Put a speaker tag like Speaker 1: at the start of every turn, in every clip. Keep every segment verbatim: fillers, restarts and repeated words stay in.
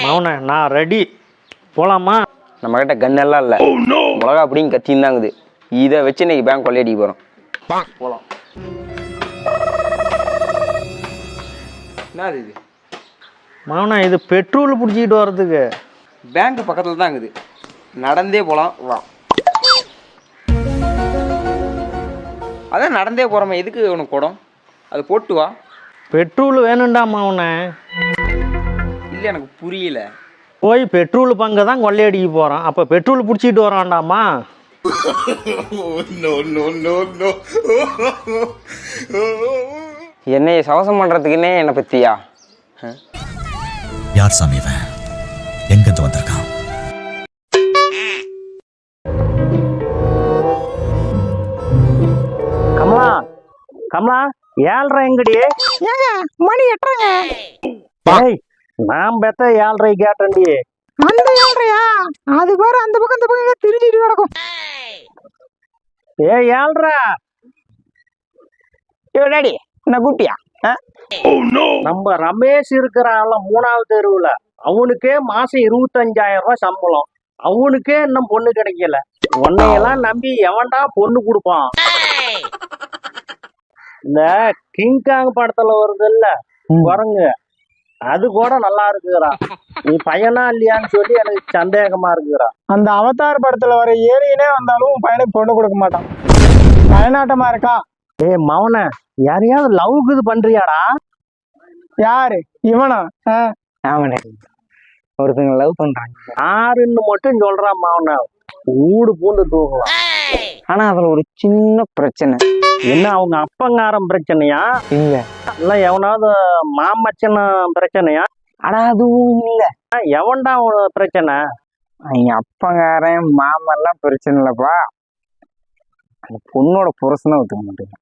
Speaker 1: மௌன நான் ரெடி போலாமா?
Speaker 2: நம்ம கிட்ட கன் எல்லாம் இல்ல, மிளகா அப்படியும் கத்தியும் தாங்குது. இதை வச்சு இன்னைக்கு பேங்க் கொள்ளையடிக்க போறோம். போலாம். என்னது இது
Speaker 1: மௌன? இது பெட்ரோல் பிடிச்சிக்கிட்டு வர்றதுக்கு.
Speaker 2: பேங்க் பக்கத்துல தான் இருக்குது, நடந்தே போலாம் வா. அதான் நடந்தே போறோமே, எதுக்கு உனக்கு குடம்? அது போட்டு வா.
Speaker 1: பெட்ரோல் வேணும்டா மௌன.
Speaker 2: இல்லை எனக்கு புரியல.
Speaker 1: போய் பெட்ரோல் பங்கை தான் கொள்ளையடிக்க போகிறோம், அப்போ பெட்ரோல் பிடிச்சிட்டு வரான்டாமா.
Speaker 2: என்னைய சவசம் பண்றதுக்குன்னே என்னை பத்தியா?
Speaker 3: யார் சாமி இவன்? எங்கிருந்து வந்திருக்கான்?
Speaker 1: கமலா கமலா ஏழ்ரை எங்கடி?
Speaker 4: ஏங்க மணி எட்டுறங்க.
Speaker 1: ஏய் நான் பெத்த ஏழ்ரை கேட்டேன்டி.
Speaker 4: அந்த ஏழ்றையா? அது பாரு அந்த பக்கம் இந்த பக்கம் திரிஞ்சிட்டு கிடக்கும்.
Speaker 1: ஏ ஏழ்ரை
Speaker 2: டாடி என்ன கூப்பிட்டியா?
Speaker 1: நம்ம ரமேஷ் இருக்கிறான்ல மூணாவது தெருவுல, அவனுக்கே மாசம் இருபத்தஞ்சாயிரம் ரூபாய் சம்பளம், அவனுக்கே இன்னும் பொண்ணு கிடைக்கல. உன்னையெல்லாம் நம்பி எவன்டா பொண்ணு கொடுப்பான்? இந்த கிங்காங் படத்துல வருது இல்ல குரங்கு, அது கூட நல்லா இருக்குறா. நீ பையனா இல்லையான்னு சொல்லி எனக்கு சந்தேகமா இருக்குறா.
Speaker 4: அந்த அவதார் படத்துல வர ஏரியனே வந்தாலும் பையனுக்கு பொண்ணு கொடுக்க மாட்டான். பயனாட்டமா இருக்கா?
Speaker 1: ஏ மவன, யாரையாவது லவ்க்கு இது பண்றியாடா?
Speaker 4: யாரு இவனா?
Speaker 2: அவனே ஒருத்தங்க லவ் பண்றாங்க.
Speaker 1: யாருன்னு மட்டும் சொல்றான் மவன, ஊடு பூண்டு தூக்கலாம்.
Speaker 2: ஆனா அதுல ஒரு சின்ன பிரச்சனை.
Speaker 1: என்ன அவங்க அப்பங்காரம் பிரச்சனையா?
Speaker 2: இல்ல
Speaker 1: இல்ல எவனாவது மாமச்சன பிரச்சனையா?
Speaker 2: ஆனா அதுவும் இல்ல.
Speaker 1: எவன்டா பிரச்சனை?
Speaker 2: எங்க அப்பங்காரன் மாமெல்லாம் பிரச்சனை இல்லப்பா, அந்த பொண்ணோட புருஷனை ஒத்துக்க மாட்டேங்க.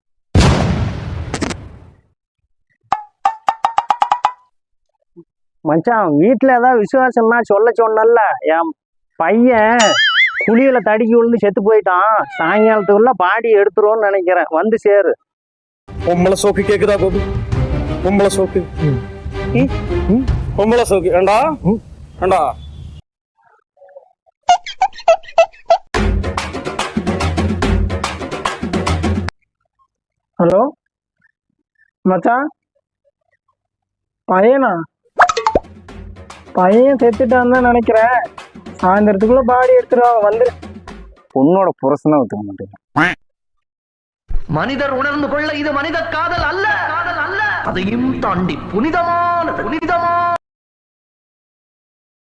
Speaker 1: மச்சான் வீட்டுல ஏதாவது விசுவாசம்னா சொல்ல சொன்னல. என் பையன் குழியில தடிக்கி விழுந்து செத்து போயிட்டான், சாயங்காலத்துக்குள்ள பாடி எடுத்துருவோம்னு நினைக்கிறேன், வந்து சேரு.
Speaker 5: பொம்பளை சோக்கு கேக்குதா கோபி? பொம்பளை சோக்கு பொம்பளை சோக்கு ஏண்டா ஏண்டா?
Speaker 4: ஹலோ மச்சான், பையனா? பையன் செத்துட்டான்னு தான் நினைக்கிறேன். சாயந்தரத்துக்குள்ள பாடி எடுத்துருவாங்க, வந்துரு.
Speaker 2: பொண்ணோட புருஷனை ஒத்துக்க மாட்டேங்க.
Speaker 6: மனிதர் உணர்ந்து கொள்ள இது மனித காதல் அல்ல, காதல் அல்ல, அதையும் தாண்டி புனிதமானது, புனிதமான